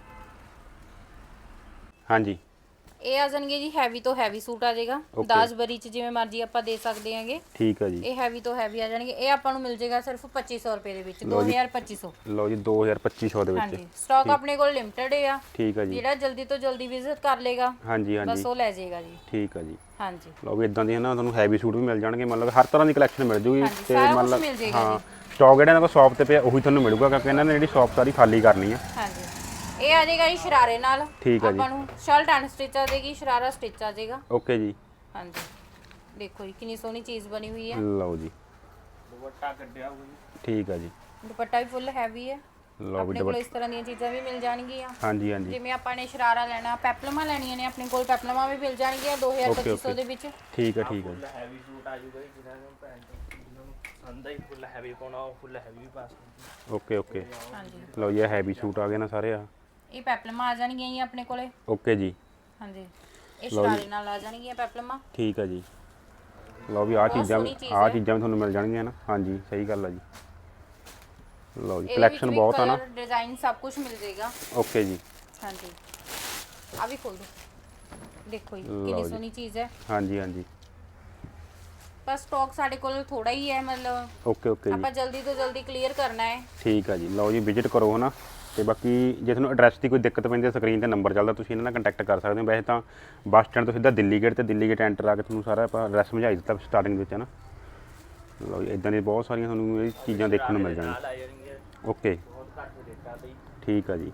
[SPEAKER 2] ਹਾਂਜੀ
[SPEAKER 1] ਇਹ ਆ ਜਾਣਗੇ ਜੀ ਹੈਵੀ ਤੋਂ ਹੈਵੀ ਸੂਟ ਆ ਜਾਏਗਾ।
[SPEAKER 2] Okay.
[SPEAKER 1] ਦਾਜ ਬਰੀ ਚ ਜਿਵੇਂ ਮਰਜ਼ੀ ਆਪਾਂ ਦੇ ਸਕਦੇ ਹਾਂਗੇ।
[SPEAKER 2] ਠੀਕ ਆ ਜੀ।
[SPEAKER 1] ਇਹ ਹੈਵੀ ਤੋਂ ਹੈਵੀ ਆ ਜਾਣਗੇ। ਇਹ ਆਪਾਂ ਨੂੰ ਮਿਲ ਜਾਏਗਾ ਸਿਰਫ ਪੱਚੀ ਸੌ ਰੁਪਏ ਦੇ ਵਿੱਚ।
[SPEAKER 2] ਲਓ ਜੀ।
[SPEAKER 1] ਦੋ ਹਜ਼ਾਰ ਪੱਚੀ ਸੌ।
[SPEAKER 2] ਲਓ ਜੀ ਦੋ ਹਜ਼ਾਰ ਪੱਚੀ ਸੌ ਦੇ ਵਿੱਚ।
[SPEAKER 1] ਹਾਂਜੀ ਸਟਾਕ ਆਪਣੇ ਕੋਲ ਲਿਮਟਿਡ ਆ।
[SPEAKER 2] ਠੀਕ ਆ ਜੀ।
[SPEAKER 1] ਜਿਹੜਾ ਜਲਦੀ ਤੋਂ ਜਲਦੀ ਵਿਜ਼ਿਟ ਕਰ ਲੇਗਾ
[SPEAKER 2] ਹਾਂਜੀ ਹਾਂਜੀ
[SPEAKER 1] ਬਸ ਉਹ ਲੈ ਜਾਏਗਾ ਜੀ।
[SPEAKER 2] ਠੀਕ ਆ ਜੀ।
[SPEAKER 1] ਹਾਂਜੀ
[SPEAKER 2] ਲਓ ਵੀ ਇਦਾਂ ਦੀ ਹੈ ਨਾ ਤੁਹਾਨੂੰ ਹੈਵੀ ਸੂਟ ਵੀ ਮਿਲ ਜਾਣਗੇ। ਮਤਲਬ ਹਰ ਤਰ੍ਹਾਂ ਦੀ ਕਲੈਕਸ਼ਨ ਮਿਲ ਜੂਗੀ।
[SPEAKER 1] ਹਾਂਜੀ, ਸਾਰਾ ਕੁਛ ਮਿਲ ਜਾਏਗਾ
[SPEAKER 2] ਹਾਂ ਸਟਾਕ ਜਿਹੜਾ ਇਹਨਾਂ ਕੋਲ ਸ਼ਾਪ ਤੇ ਪਿਆ ਉਹੀ ਤੁਹਾਨੂੰ ਮਿਲੂਗਾ, ਕਿਉਂਕਿ ਇਹਨਾਂ ਨੇ ਜਿਹੜੀ ਸ਼ਾਪ ਸਾਰੀ ਖਾਲੀ ਕਰਨੀ ਆ।
[SPEAKER 1] ਹਾਂਜੀ ਇਹ ਆ ਜਾਏਗਾ ਜੀ ਸ਼ਰਾਰੇ ਨਾਲ।
[SPEAKER 2] ਠੀਕ ਆ ਜੀ।
[SPEAKER 1] ਆਪਾਂ ਨੂੰ ਸ਼ਰਟ ਐਂਡ ਸਟਿਚ ਆ ਜਾਏਗੀ, ਸ਼ਰਾਰਾ ਸਟਿਚ ਆ ਜਾਏਗਾ।
[SPEAKER 2] ਓਕੇ ਜੀ।
[SPEAKER 1] ਹਾਂਜੀ ਦੇਖੋ ਜੀ ਕਿੰਨੀ ਸੋਹਣੀ ਚੀਜ਼ ਬਣੀ ਹੋਈ ਹੈ।
[SPEAKER 2] ਲਓ ਜੀ
[SPEAKER 3] ਦੁਪੱਟਾ ਕੱਢਿਆ ਹੋਊਗਾ ਜੀ।
[SPEAKER 2] ਠੀਕ ਆ ਜੀ।
[SPEAKER 1] ਦੁਪੱਟਾ ਵੀ ਫੁੱਲ ਹੈਵੀ ਹੈ।
[SPEAKER 2] ਲਓ ਵੀ
[SPEAKER 1] ਆਪਣੇ ਕੋਲ ਇਸ ਤਰ੍ਹਾਂ ਦੀਆਂ ਚੀਜ਼ਾਂ ਵੀ ਮਿਲ ਜਾਣਗੀਆਂ।
[SPEAKER 2] ਹਾਂਜੀ ਹਾਂਜੀ
[SPEAKER 1] ਜਿਵੇਂ ਆਪਾਂ ਨੇ ਸ਼ਰਾਰਾ ਲੈਣਾ, ਪੈਪਲਮਾਂ ਲੈਣੀਆਂ ਨੇ, ਆਪਣੇ ਕੋਲ ਪੈਪਲਮਾਂ ਵੀ ਮਿਲ ਜਾਣਗੀਆਂ ਦੋ ਹਜ਼ਾਰ ਪੱਚੀ ਸੌ ਦੇ ਵਿੱਚ।
[SPEAKER 2] ਠੀਕ ਆ ਠੀਕ ਆ ਜੀ।
[SPEAKER 3] ਫੁੱਲ ਹੈਵੀ ਸੂਟ ਆ ਜੂਗਾ ਜੀ, ਜਿਹਨਾਂ ਨੂੰ ਪੈਂਟ ਜਿਹਨਾਂ ਨੂੰ ਪਸੰਦ ਆਈ ਫੁੱਲ ਹੈਵੀ ਪਾਉਣਾ ਉਹ ਫੁੱਲ ਹੈਵੀ ਵੀ ਪਾ ਸਕਦੇ।
[SPEAKER 2] ਓਕੇ ਓਕੇ
[SPEAKER 1] ਹਾਂਜੀ
[SPEAKER 2] ਲਓ ਜੀ ਇਹ ਹੈਵੀ ਸੂਟ ਆ ਗਏ ਨਾ ਸਾਰੇ ਆ।
[SPEAKER 1] ਇਹ ਪੈਪਲਮਾਂ ਆ ਜਾਣਗੀਆਂ ਜੀ ਆਪਣੇ ਕੋਲੇ।
[SPEAKER 2] ਓਕੇ ਜੀ।
[SPEAKER 1] ਹਾਂਜੀ ਇਹ ਸ਼ਰਾਰੇ ਨਾਲ ਆ ਜਾਣਗੀਆਂ ਪੈਪਲਮਾਂ।
[SPEAKER 2] ਠੀਕ ਆ ਜੀ। ਲਓ ਵੀ ਆਹ
[SPEAKER 1] ਬਹੁਤ
[SPEAKER 2] ਚੀਜ਼ਾਂ
[SPEAKER 1] ਸੋਹਣੀ ਚੀਜ਼
[SPEAKER 2] ਆਹ
[SPEAKER 1] ਹੈ।
[SPEAKER 2] ਚੀਜ਼ਾਂ ਵੀ ਤੁਹਾਨੂੰ ਮਿਲ ਜਾਣਗੀਆਂ ਨਾ। ਹਾਂਜੀ ਸਹੀ ਗੱਲ ਆ ਜੀ। ਲਓ ਜੀ
[SPEAKER 1] ਇਹਦੇ
[SPEAKER 2] ਕਲੈਕਸ਼ਨ
[SPEAKER 1] ਵਿੱਚ ਵੀ
[SPEAKER 2] ਬਹੁਤ ਆ ਨਾ।
[SPEAKER 1] ਕਲਰ ਡਿਜ਼ਾਈਨ ਸਭ ਕੁਝ ਮਿਲ ਜਾਏਗਾ।
[SPEAKER 2] ਓਕੇ ਜੀ।
[SPEAKER 1] ਹਾਂਜੀ ਆ ਵੀ ਖੋਲ ਦੋ, ਦੇਖੋ ਜੀ
[SPEAKER 2] ਲਓ
[SPEAKER 1] ਕਿੰਨੀ
[SPEAKER 2] ਜੀ।
[SPEAKER 1] ਸੋਹਣੀ ਚੀਜ਼ ਹੈ।
[SPEAKER 2] ਹਾਂਜੀ ਹਾਂਜੀ
[SPEAKER 1] ਪਰ ਸਟਾਕ ਸਾਡੇ ਕੋਲ ਥੋੜਾ ਹੀ ਹੈ, ਮਤਲਬ
[SPEAKER 2] ਓਕੇ ਓਕੇ ਜੀ।
[SPEAKER 1] ਆਪਾਂ ਜਲਦੀ ਤੋਂ ਜਲਦੀ ਕਲੀਅਰ ਕਰਨਾ ਹੈ।
[SPEAKER 2] ਠੀਕ ਆ ਜੀ। ਲਓ ਜੀ ਵਿਜ਼ਿਟ ਕਰੋ ਹਨਾ। ਤੇ ਬਾਕੀ ਜੇ ਤੁਹਾਨੂੰ ਐਡਰੈਸ ਦੀ ਕੋਈ ਦਿੱਕਤ ਪੈਂਦੀ ਹੈ ਸਕਰੀਨ ਤੇ ਨੰਬਰ ਚੱਲਦਾ, ਤੁਸੀਂ ਇਹਨਾਂ ਨਾਲ ਕੰਟੈਕਟ ਕਰ ਸਕਦੇ ਹੋ। ਵੈਸੇ ਤਾਂ ਬੱਸ ਸਟੈਂਡ ਤੋਂ ਸਿੱਧਾ ਦਿੱਲੀ ਗੇਟ ਤੇ ਦਿੱਲੀ ਗੇਟ ਐਂਟਰ ਆ ਕੇ ਤੁਹਾਨੂੰ ਸਾਰਾ ਆਪਾਂ ਐਡਰੈਸ ਸਮਝਾਈ ਦਿੱਤਾ ਸਟਾਰਟਿੰਗ ਵਿੱਚ ਹੈ ਨਾ। ਲਓ ਜੀ ਇਦਾਂ ਦੀ ਬਹੁਤ ਸਾਰੀਆਂ ਤੁਹਾਨੂੰ ਇਹ ਚੀਜ਼ਾਂ ਦੇਖਣ ਨੂੰ ਮਿਲ
[SPEAKER 3] ਨਾਲ
[SPEAKER 2] ਜਾਣਗੀਆਂ।
[SPEAKER 3] ਆ ਜਾਣਗੇ
[SPEAKER 2] ਓਕੇ
[SPEAKER 3] ਬਹੁਤ ਘੱਟ ਰੇਟਾਂ ਤੇ।
[SPEAKER 2] ਠੀਕ ਆ ਜੀ।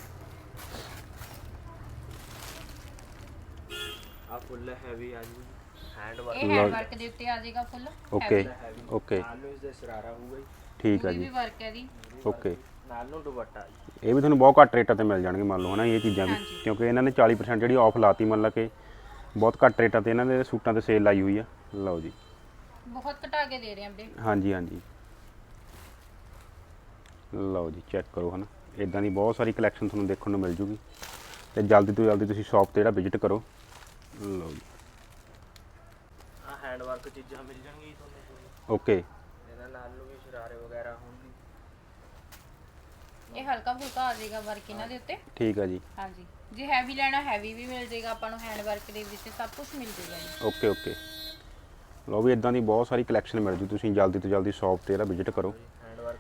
[SPEAKER 3] ਆ ਫੁੱਲ ਹੈਵੀ ਆ ਜੂਗੀ ਹੈਂਡ ਵਰਕ।
[SPEAKER 1] ਇਹ ਹੈਂਡ ਵਰਕ ਦੇ ਉੱਤੇ ਆ ਜਾਏਗਾ ਫੁੱਲ
[SPEAKER 2] ਓਕੇ
[SPEAKER 3] ਹੈਵੀ
[SPEAKER 2] ਓਕੇ
[SPEAKER 3] ਨਾਲ ਨੂੰ ਇਸ ਦੇ ਸ਼ਰਾਰਾ ਹੋਊਗਾ ਜੀ।
[SPEAKER 2] ਠੀਕ ਆ
[SPEAKER 1] ਇਹ ਵੀ
[SPEAKER 2] ਜੀ।
[SPEAKER 1] ਵਰਕ ਹੈ ਦੀ।
[SPEAKER 2] ਓਕੇ
[SPEAKER 3] ਨਾਲ ਨੂੰ ਦੁਪੱਟਾ ਜੀ।
[SPEAKER 2] ਇਹ ਵੀ ਤੁਹਾਨੂੰ ਬਹੁਤ ਘੱਟ ਰੇਟਾਂ ਤੇ ਮਿਲ ਜਾਣਗੇ ਮੰਨ ਲਓ ਹਨਾ ਇਹ ਚੀਜ਼ਾਂ ਵੀ,
[SPEAKER 1] ਹਾਂਜੀ।
[SPEAKER 2] ਕਿਉਂਕਿ ਇਹਨਾਂ ਨੇ ਚਾਲੀ ਪਰਸੈਂਟ ਜਿਹੜੀ ਆਫ ਲਾਤੀ ਮੰਨ ਲਾ ਕੇ ਬਹੁਤ ਘੱਟ ਰੇਟਾਂ ਤੇ ਇਹਨਾਂ ਦੇ ਸੂਟਾਂ ਤੇ ਸੇਲ ਲਾਈ ਹੋਈ ਆ। ਲਓ ਜੀ
[SPEAKER 1] ਬਹੁਤ ਘਟਾ ਕੇ ਦੇ ਰਹੇ ਹਾਂ ਵੀਰੇ।
[SPEAKER 2] ਹਾਂਜੀ ਹਾਂਜੀ ਲਓ ਜੀ ਚੈੱਕ ਕਰੋ ਹਨਾ। ਇਦਾਂ ਦੀ ਬਹੁਤ ਸਾਰੀ ਕਲੈਕਸ਼ਨ ਤੁਹਾਨੂੰ ਦੇਖਣ ਨੂੰ ਮਿਲ ਜੂਗੀ ਤੇ ਜਲਦੀ ਤੋਂ ਜਲਦੀ ਤੁਸੀਂ ਸ਼ਾਪ ਤੇ ਜਿਹੜਾ ਵਿਜ਼ਿਟ ਕਰੋ। ਲਓ ਜੀ
[SPEAKER 3] ਆ ਹੈਂਡ ਵਰਕ ਚੀਜ਼ਾਂ ਮਿਲ ਜਾਣਗੀਆਂ ਤੁਹਾਨੂੰ।
[SPEAKER 2] ਓਕੇ
[SPEAKER 3] ਇਹਨਾਂ ਨਾਲ ਨੂੰ ਵੀ ਸ਼ਰਾਰੇ ਵਗੈਰਾ ਹੋਣਗੇ।
[SPEAKER 1] ਇਹ ਹਲਕਾ ਫੁਲਕਾ ਆ ਜਾਏਗਾ ਵਰਕ ਇਹਨਾਂ ਦੇ ਉੱਤੇ।
[SPEAKER 2] ਠੀਕ ਆ ਜੀ।
[SPEAKER 1] ਹਾਂਜੀ ਜੇ ਹੈਵੀ ਲੈਣਾ ਹੈਵੀ ਵੀ ਮਿਲ ਜਾਏਗਾ ਆਪਾਂ ਨੂੰ, ਹੈਂਡ ਵਰਕ ਦੇ ਵਿੱਚ ਸਭ ਕੁਝ ਮਿਲ ਜਾਏਗਾ ਜੀ।
[SPEAKER 2] ਓਕੇ ਓਕੇ ਲਓ ਵੀ ਇਦਾਂ ਦੀ ਬਹੁਤ ਸਾਰੀ ਕਲੈਕਸ਼ਨ ਮਿਲ ਜੂ, ਤੁਸੀਂ ਜਲਦੀ ਤੋਂ ਜਲਦੀ ਸ਼ਾਪ ਤੇ ਜਿਹੜਾ ਵਿਜ਼ਿਟ ਕਰੋ।
[SPEAKER 3] ਹੈਂਡ ਵਰਕ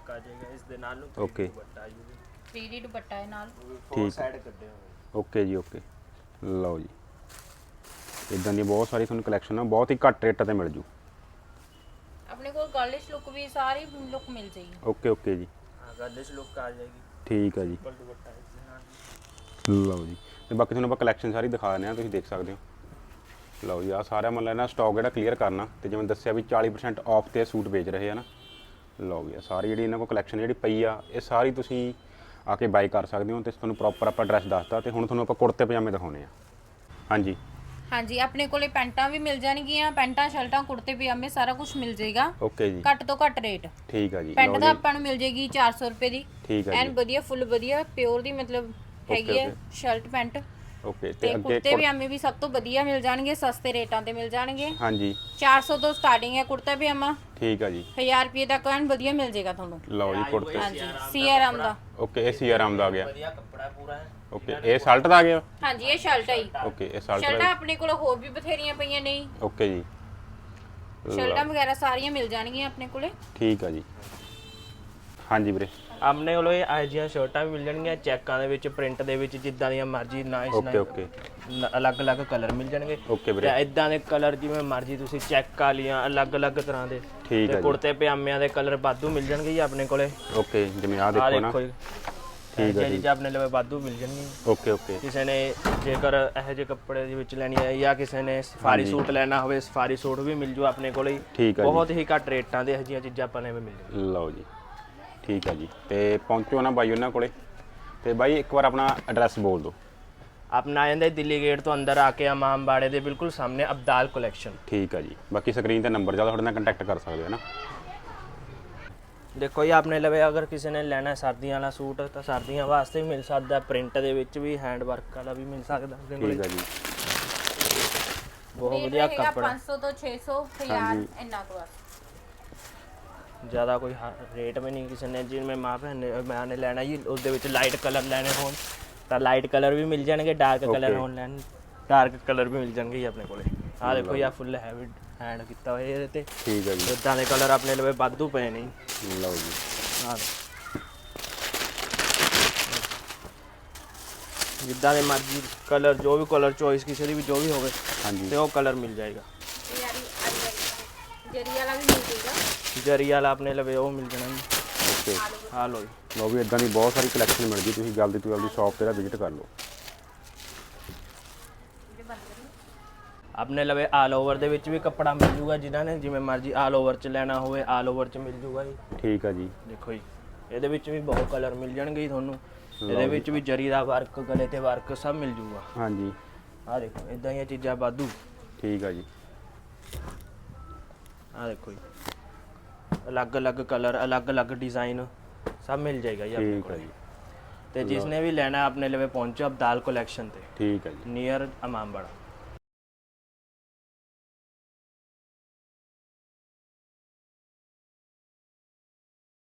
[SPEAKER 3] ਵਰਕ ਆ ਜਾਏਗਾ ਇਸ ਦੇ ਨਾਲ ਨੂੰ
[SPEAKER 2] Okay.
[SPEAKER 3] ਦੁਪੱਟਾ ਜੀ
[SPEAKER 1] ਥ੍ਰੀ ਡੀ ਦੁਪੱਟਾ ਹੈ ਨਾਲ
[SPEAKER 3] ਫੋਰ ਸਾਈਡ ਕੱਢੇ ਹੋਏ
[SPEAKER 2] ਓਕੇ ਜੀ ਓਕੇ ਲਓ ਜੀ ਇਦਾਂ ਦੀ ਬਹੁਤ ਸਾਰੀ ਤੁਹਾਨੂੰ ਕਲੈਕਸ਼ਨ ਆ ਬਹੁਤ ਹੀ ਘੱਟ ਰੇਟਾਂ ਤੇ ਮਿਲ ਜੂ
[SPEAKER 1] ਆਪਣੇ ਕੋਲ ਗਰਲਿਸ਼ ਲੁੱਕ ਵੀ ਸਾਰੀ ਲੁੱਕ ਮਿਲ ਜਾਏਗੀ
[SPEAKER 2] ਓਕੇ ਓਕੇ ਜੀ
[SPEAKER 3] ਹਾਂ ਗਰਲਿਸ਼ ਲੁੱਕ ਆ ਜਾਏਗੀ
[SPEAKER 2] ਠੀਕ ਆ ਜੀ
[SPEAKER 3] ਸਿੰਪਲ ਦੁਪੱਟਾ ਇਸ ਦੇ ਨਾਲ
[SPEAKER 2] ਲਓ ਜੀ ਤੇ ਬਾਕੀ ਤੁਹਾਨੂੰ ਆਪਾਂ ਕਲੈਕਸ਼ਨ ਸਾਰੀ ਦਿਖਾ ਦਿੰਦੇ ਆ ਤੁਸੀਂ ਦੇਖ ਸਕਦੇ ਹੋ ਲਓ ਜੀ ਆ ਸਾਰਾ ਮਤਲਬ ਨਾ ਸਟਾਕ ਜਿਹੜਾ ਕਲੀਅਰ ਕਰਨਾ ਤੇ ਜਿਵੇਂ ਦੱਸਿਆ ਵੀ ਚਾਲੀ ਪਰਸੈਂਟ ਆਫ ਤੇ ਸੂਟ ਵੇਚ ਰਹੇ ਆ ਨਾ ਲਓ ਜੀ ਆ ਸਾਰੀ ਜਿਹੜੀ ਇਹਨਾਂ ਕੋਲ ਕਲੈਕਸ਼ਨ ਜਿਹੜੀ ਪਈ ਆ ਇਹ ਸਾਰੀ ਤੁਸੀਂ ਆ ਕੇ ਬਾਈ ਕਰ ਸਕਦੇ ਹੋ ਤੇ ਤੁਹਾਨੂੰ ਪ੍ਰੋਪਰ ਆਪਾਂ ਐਡਰੈਸ ਦੱਸਤਾ ਤੇ ਹੁਣ ਤੁਹਾਨੂੰ ਆਪਾਂ ਕੁੜਤੇ ਪਜਾਮੇ ਦਿਖਾਉਣੇ ਆ ਹਾਂਜੀ
[SPEAKER 1] ਹਾਂਜੀ ਆਪਣੇ ਕੋਲੇ ਪੈਂਟਾਂ ਵੀ ਮਿਲ ਜਾਣਗੀਆਂ ਪੈਂਟਾਂ ਸ਼ਰਟਾਂ ਕੁੜਤੇ ਪਜਾਮੇ ਸਾਰਾ ਕੁਝ ਮਿਲ ਜਾਏਗਾ
[SPEAKER 2] ਓਕੇ ਜੀ
[SPEAKER 1] ਘੱਟ ਤੋਂ ਘੱਟ ਰੇਟ
[SPEAKER 2] ਠੀਕ ਆ ਜੀ
[SPEAKER 1] ਪੈਂਟ
[SPEAKER 2] ਲਓ
[SPEAKER 1] ਦਾ
[SPEAKER 2] ਜੀ
[SPEAKER 1] ਆਪਾਂ ਨੂੰ ਮਿਲ ਜਾਏਗੀ ਚਾਰ ਸੌ ਰੁਪਏ ਦੀ
[SPEAKER 2] ਠੀਕ ਆ
[SPEAKER 1] ਐਨ
[SPEAKER 2] ਜੀ
[SPEAKER 1] ਵਧੀਆ ਫੁੱਲ ਵਧੀਆ ਪਿਓਰ ਦੀ ਮਤਲਬ ਹੈਗੀ ਹੈ
[SPEAKER 2] okay.
[SPEAKER 1] ਸ਼ਰਟ ਪੈਂਟ
[SPEAKER 2] ਓਕੇ
[SPEAKER 1] ਤੇ
[SPEAKER 2] ਤੇ ਅੱਗੇ
[SPEAKER 1] ਕੁੜਤੇ ਪਜਾਮੇ ਵੀ ਸਭ ਤੋਂ ਵਧੀਆ ਮਿਲ ਜਾਣਗੇ ਸਸਤੇ ਰੇਟਾਂ ਤੇ ਮਿਲ ਜਾਣਗੇ
[SPEAKER 2] ਹਾਂਜੀ
[SPEAKER 1] ਚਾਰ ਸੌ ਤੋਂ ਸਟਾਰਟਿੰਗ ਹੈ ਕੁੜਤਾ ਪਜਾਮਾ
[SPEAKER 2] ਠੀਕ ਆ ਜੀ
[SPEAKER 1] ਹਜ਼ਾਰ ਰੁਪਏ ਤੱਕ ਐਨ ਵਧੀਆ ਮਿਲ ਜਾਏਗਾ ਤੁਹਾਨੂੰ
[SPEAKER 2] ਲਓ ਜੀ ਕੁੜਤੇ
[SPEAKER 1] ਹਾਂਜੀ ਸੀਆਰਾਮ ਦਾ
[SPEAKER 2] ਓਕੇ ਇਹ ਸੀ ਆਰਾਮ ਦਾ ਆ ਗਿਆ
[SPEAKER 3] ਵਧੀਆ ਕੱਪੜਾ ਪੂਰਾ ਹੈ
[SPEAKER 2] ਓਕੇ ਇਹ ਸ਼ਰਟ ਦਾ ਆ ਗਿਆ
[SPEAKER 1] ਹਾਂਜੀ ਇਹ ਸ਼ਰਟ ਹੈ ਜੀ।
[SPEAKER 2] ਓਕੇ ਇਹ ਸ਼ਰਟ
[SPEAKER 1] ਸ਼ਰਟਾਂ
[SPEAKER 2] ਦਾ
[SPEAKER 1] ਆਪਣੇ ਕੋਲ ਹੋਰ ਵੀ ਬਥੇਰੀਆਂ ਪਈਆਂ ਨੇ ਜੀ।
[SPEAKER 2] ਓਕੇ ਜੀ
[SPEAKER 1] ਸ਼ਰਟਾਂ ਵਗੈਰਾ ਸਾਰੀਆਂ ਮਿਲ ਜਾਣਗੀਆਂ ਆਪਣੇ ਕੋਲੇ
[SPEAKER 2] ਠੀਕ ਆ ਜੀ ਹਾਂਜੀ ਵੀਰੇ
[SPEAKER 3] ਆਪਣੇ ਕੋਲ ਇਹ ਆਹ ਜਿਹੀਆਂ ਸ਼ਰਟਾਂ ਵੀ ਮਿਲ ਜਾਣਗੀਆਂ ਚੈੱਕਾਂ ਦੇ ਵਿੱਚ ਪ੍ਰਿੰਟ ਦੇ ਵਿੱਚ ਜਿੱਦਾਂ ਦੀਆਂ ਮਰਜ਼ੀ ਨਾਈਸ
[SPEAKER 2] ਓਕੇ ਓਕੇ
[SPEAKER 3] ਅਲੱਗ-ਅਲੱਗ ਕਲਰ ਮਿਲ ਜਾਣਗੇ
[SPEAKER 2] ਓਕੇ ਵੀਰੇ
[SPEAKER 3] ਤੇ ਇਦਾਂ ਦੇ ਕਲਰ ਜਿਵੇਂ ਮਰਜ਼ੀ ਤੁਸੀਂ ਚੈੱਕ ਵਾਲੀਆਂ ਅਲੱਗ-ਅਲੱਗ ਤਰ੍ਹਾਂ ਦੇ
[SPEAKER 2] ਠੀਕ ਆ
[SPEAKER 3] ਤੇ
[SPEAKER 2] ਜੀ
[SPEAKER 3] ਕੁੜਤੇ ਪਜਾਮਿਆਂ ਦੇ ਕਲਰ ਵਾਧੂ ਮਿਲ ਜਾਣਗੇ ਜੀ ਆਪਣੇ ਕੋਲੇ
[SPEAKER 2] ਓਕੇ ਜਿਵੇਂ ਆ
[SPEAKER 3] ਆਹ
[SPEAKER 2] ਦੇਖੋ ਨਾ
[SPEAKER 3] ਦੇਖੋ ਜੀ
[SPEAKER 2] ਠੀਕ ਆ
[SPEAKER 3] ਜੀ
[SPEAKER 2] ਜੀ
[SPEAKER 3] ਆਪਣੇ ਲਈ ਵਾਧੂ ਮਿਲ ਜਾਣਗੇ
[SPEAKER 2] ਓਕੇ ਓਕੇ
[SPEAKER 3] ਕਿਸੇ ਨੇ ਜੇਕਰ ਇਹੋ ਜਿਹੇ ਕੱਪੜੇ ਦੇ ਵਿੱਚ ਲੈਣੀ ਹੈ ਜਾਂ ਕਿਸੇ ਨੇ ਸਫਾਰੀ ਸੂਟ ਲੈਣਾ ਹੋਵੇ ਸਫਾਰੀ ਸੂਟ ਵੀ ਮਿਲ ਜੂ ਆਪਣੇ ਕੋਲੇ
[SPEAKER 2] ਠੀਕ ਆ ਜੀ
[SPEAKER 3] ਬਹੁਤ ਹੀ ਘੱਟ ਰੇਟਾਂ ਦੇ ਇਹੋ ਜਿਹੀਆਂ ਚੀਜ਼ਾਂ ਆਪਾਂ ਨੂੰ ਮਿਲ ਜਾਣਗੀਆਂ
[SPEAKER 2] ਲਓ ਜੀ ਠੀਕ ਆ ਜੀ ਤੇ ਪਹੁੰਚੋ ਨਾ ਬਾਈ ਉਹਨਾਂ ਕੋਲੇ ਤੇ ਬਾਈ ਇੱਕ ਵਾਰ ਆਪਣਾ ਐਡਰੈਸ ਬੋਲ ਦਿਓ
[SPEAKER 3] ਆਪਣਾ ਆ ਜਾਂਦਾ ਦਿੱਲੀ ਗੇਟ ਤੋਂ ਅੰਦਰ ਆ ਕੇ ਇਮਾਮਬਾੜੇ ਦੇ ਬਿਲਕੁਲ ਸਾਹਮਣੇ ਅਬਦਾਲ ਕਲੈਕਸ਼ਨ
[SPEAKER 2] ਠੀਕ ਆ ਜੀ ਬਾਕੀ ਸਕਰੀਨ ਤੇ ਨੰਬਰ ਜਿਆਦਾ ਤੁਹਾਡੇ ਨਾਲ ਕੰਟੈਕਟ ਕਰ ਸਕਦੇ ਹੋ ਨਾ
[SPEAKER 3] ਦੇਖੋ ਜੀ ਆਪਣੇ ਲਵੇ ਅਗਰ ਕਿਸੇ ਨੇ ਲੈਣਾ ਸਰਦੀਆਂ ਵਾਲਾ ਸੂਟ ਤਾਂ ਸਰਦੀਆਂ ਵਾਸਤੇ ਵੀ ਮਿਲ ਸਕਦਾ ਪ੍ਰਿੰਟ ਦੇ ਵਿੱਚ ਵੀ ਹੈਂਡ ਵਰਕ ਵਾਲਾ ਵੀ ਮਿਲ ਸਕਦਾ ਆਪਣੇ ਕੋਲ
[SPEAKER 2] ਠੀਕ ਆ ਜੀ
[SPEAKER 3] ਬਹੁਤ ਵਧੀਆ ਕੱਪੜਾ
[SPEAKER 1] ਪੰਜ ਸੌ ਤੋਂ ਛੇ ਸੌ ਹਜ਼ਾਰ ਇੰਨਾ ਕੁ ਬਸ
[SPEAKER 3] ਜ਼ਿਆਦਾ ਕੋਈ ਰੇਟ ਵੀ ਨਹੀਂ ਕਿਸੇ ਨੇ ਜਿਵੇਂ ਮਾਂ ਭੈਣ ਨੇ ਮੈਂ ਨੇ ਲੈਣਾ ਜੀ ਉਸ ਦੇ ਵਿੱਚ ਲਾਈਟ ਕਲਰ ਲੈਣੇ ਹੋਣ ਤਾਂ ਲਾਈਟ ਕਲਰ ਵੀ ਮਿਲ ਜਾਣਗੇ ਡਾਰਕ ਕਲਰ ਹੋਣ ਲੈਣ ਡਾਰਕ ਕਲਰ ਵੀ ਮਿਲ ਜਾਣਗੇ ਜੀ ਆਪਣੇ ਕੋਲੇ ਆਹ ਦੇਖੋ ਜੀ ਫੁੱਲ ਹੈਵੀ ਹੈਂਡ ਕੀਤਾ ਹੋਇਆ ਇਹਦੇ ਤੇ
[SPEAKER 2] ਠੀਕ ਆ ਜੀ
[SPEAKER 3] ਇਦਾਂ ਦੇ ਕਲਰ ਆਪਣੇ ਲਵੇ ਵਾਧੂ ਪਏ ਨੇ
[SPEAKER 2] ਲਓ ਜੀ
[SPEAKER 3] ਆਹ ਜਿੱਦਾਂ ਦੇ ਮਰਜ਼ੀ ਕਲਰ ਜੋ ਵੀ ਕਲਰ ਚੋਇਸ ਕਿਸੇ ਦੀ ਵੀ ਜੋ ਵੀ ਹੋਵੇ
[SPEAKER 2] ਹਾਂਜੀ
[SPEAKER 3] ਤੇ ਉਹ ਕਲਰ ਮਿਲ ਜਾਏਗਾ
[SPEAKER 1] ਜਰੀ ਵਾਲਾ ਵੀ ਮਿਲ ਜਾਏਗਾ
[SPEAKER 3] ਜਰੀ ਵਾਲਾ ਆਪਣੇ ਲਵੇ ਉਹ ਮਿਲ ਜਾਣਾ ਜੀ
[SPEAKER 2] ਓਕੇ
[SPEAKER 3] ਆਹ ਲਓ ਜੀ
[SPEAKER 2] ਲਓ ਵੀ ਇਦਾਂ ਦੀ ਬਹੁਤ ਸਾਰੀ ਕਲੈਕਸ਼ਨ ਮਿਲ ਗਈ ਤੁਸੀਂ ਜਲਦੀ ਤੋਂ ਜਲਦੀ ਸ਼ਾਪ ਤੇ ਵਿਜ਼ਿਟ ਕਰ ਲਓ
[SPEAKER 3] ਆਪਣੇ ਲਵੇ ਆਲ ਓਵਰ ਦੇ ਵਿੱਚ ਵੀ ਕੱਪੜਾ ਮਿਲ ਜੂਗਾ ਜਿਨ੍ਹਾਂ ਨੇ ਜਿਵੇਂ ਮਰਜ਼ੀ ਆਲ ਓਵਰ ਚ ਲੈਣਾ ਹੋਵੇ ਆਲ ਓਵਰ ਚ ਮਿਲ ਜੂਗਾ ਜੀ
[SPEAKER 2] ਠੀਕ ਆ ਜੀ
[SPEAKER 3] ਦੇਖੋ ਜੀ ਇਹਦੇ ਵਿੱਚ ਵੀ ਬਹੁਤ ਕਲਰ ਮਿਲ ਜਾਣਗੇ ਜੀ ਤੁਹਾਨੂੰ ਇਹਦੇ ਵਿੱਚ ਵੀ ਜਰੀ ਦਾ ਵਰਕ ਗਲੇ ਤੇ ਵਰਕ ਸਭ ਮਿਲ ਜੂਗਾ
[SPEAKER 2] ਹਾਂਜੀ
[SPEAKER 3] ਆਹ ਦੇਖੋ ਇਦਾਂ ਦੀਆਂ ਚੀਜ਼ਾਂ ਵਾਧੂ
[SPEAKER 2] ਠੀਕ ਆ ਜੀ
[SPEAKER 3] ਆਹ ਦੇਖੋ ਜੀ ਅਲੱਗ-ਅਲੱਗ ਕਲਰ ਅਲੱਗ-ਅਲੱਗ ਡਿਜ਼ਾਈਨ ਸਭ ਮਿਲ ਜਾਏਗਾ ਜੀ ਆਪਣੇ
[SPEAKER 2] ਠੀਕ ਆ
[SPEAKER 3] ਕੋਲ
[SPEAKER 2] ਜੀ
[SPEAKER 3] ਤੇ ਜਿਸ ਨੇ ਵੀ ਲੈਣਾ ਆਪਣੇ ਲਵੇ ਪਹੁੰਚੋ ਅਬਦਾਲ ਕਲੈਕਸ਼ਨ ਤੇ
[SPEAKER 2] ਠੀਕ ਆ ਜੀ
[SPEAKER 3] ਨੀਅਰ ਇਮਾਮਬਾੜਾ